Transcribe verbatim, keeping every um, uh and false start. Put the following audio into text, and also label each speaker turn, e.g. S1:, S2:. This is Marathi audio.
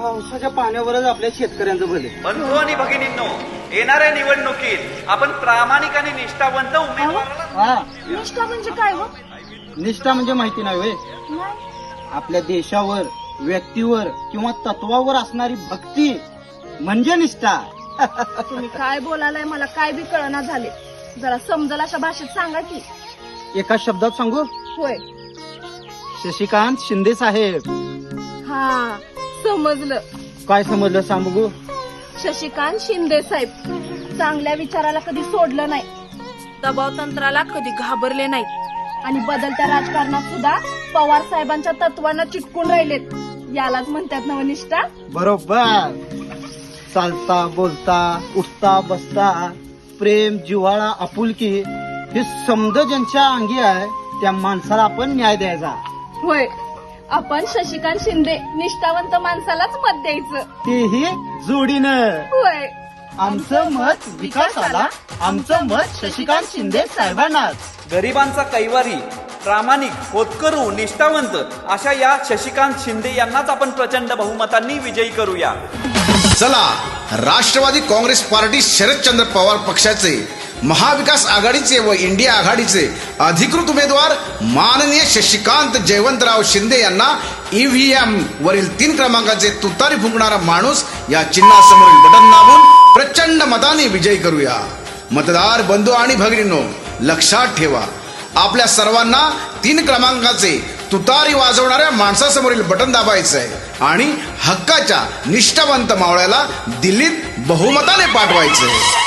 S1: पावसाच्या पाण्यावरच आपल्या शेतकऱ्यांचं भले.
S2: बंधू आणि भगिनींनो, येणाऱ्या निवडणुकीत आपण प्रामाणिक आणि निष्ठावंत उमेदवाराला
S1: हा,
S3: निष्ठा म्हणजे काय हो?
S1: निष्ठा म्हणजे माहिती नाही होय.
S3: नाही.
S1: आपल्या देशावर, व्यक्तीवर किंवा तत्वावर असणारी भक्ती म्हणजे निष्ठा.
S3: तुम्ही काय बोलालाय मला काय बी कळना झाले. जरा समजल अशा भाषेत सांगा की.
S1: एका शब्दात सांगू,
S3: होय.
S1: शशिकांत शिंदे साहेब.
S3: हा, समजलं.
S1: काय समजलं सांग बघू.
S3: शशिकांत शिंदे साहेब चांगल्या विचाराला कधी सोडलं नाही, दबाव तंत्राला कधी घाबरले नाही आणि बदलत्या राजकारणात सुद्धा पवार साहेबांच्या तत्वांना चिटकून राहिलेत. यालाच म्हणतात नवनिष्ठा.
S1: बरोबर. चालता बोलता उठता बसता प्रेम जिव्हाळा आपुलकी हे समज ज्यांच्या अंगी आहे त्या माणसाला आपण न्याय द्यायचा.
S3: होय, आपण शशिकांत शिंदे निष्ठावंत माणसालाच मत द्यायचं,
S1: तेही जोडीनं.
S3: होय.
S1: आमचं मत विकासाला, आमचं मत शशिकांत शिंदे साहेबांनाच.
S2: गरिबांचा कैवारी, प्रामाणिक, होतकरू, निष्ठावंत अशा या शशिकांत शिंदे यांनाच आपण प्रचंड बहुमतांनी विजयी करूया.
S4: चला, राष्ट्रवादी काँग्रेस पार्टी शरदचंद्र पवार पक्षाचे, महाविकास आघाडीचे व इंडिया आघाडीचे अधिकृत उमेदवार माननीय शशिकांत जयवंतराव शिंदे यांना ईव्हीएम वरील तीन क्रमांकाचे तुतारी फुंकणारा माणूस या चिन्हासमोरील बटन दाबून प्रचंड मताने विजयी करूया. मतदार बंधू आणि भगिनींनो, लक्षात ठेवा, आपल्या सर्वांना तीन क्रमांकाचे तुतारी वाजवणाऱ्या माणसासमोरील बटन दाबायचं आहे आणि हक्काच्या निष्ठावंत मावळ्याला दिल्लीत बहुमताने पाठवायचंय.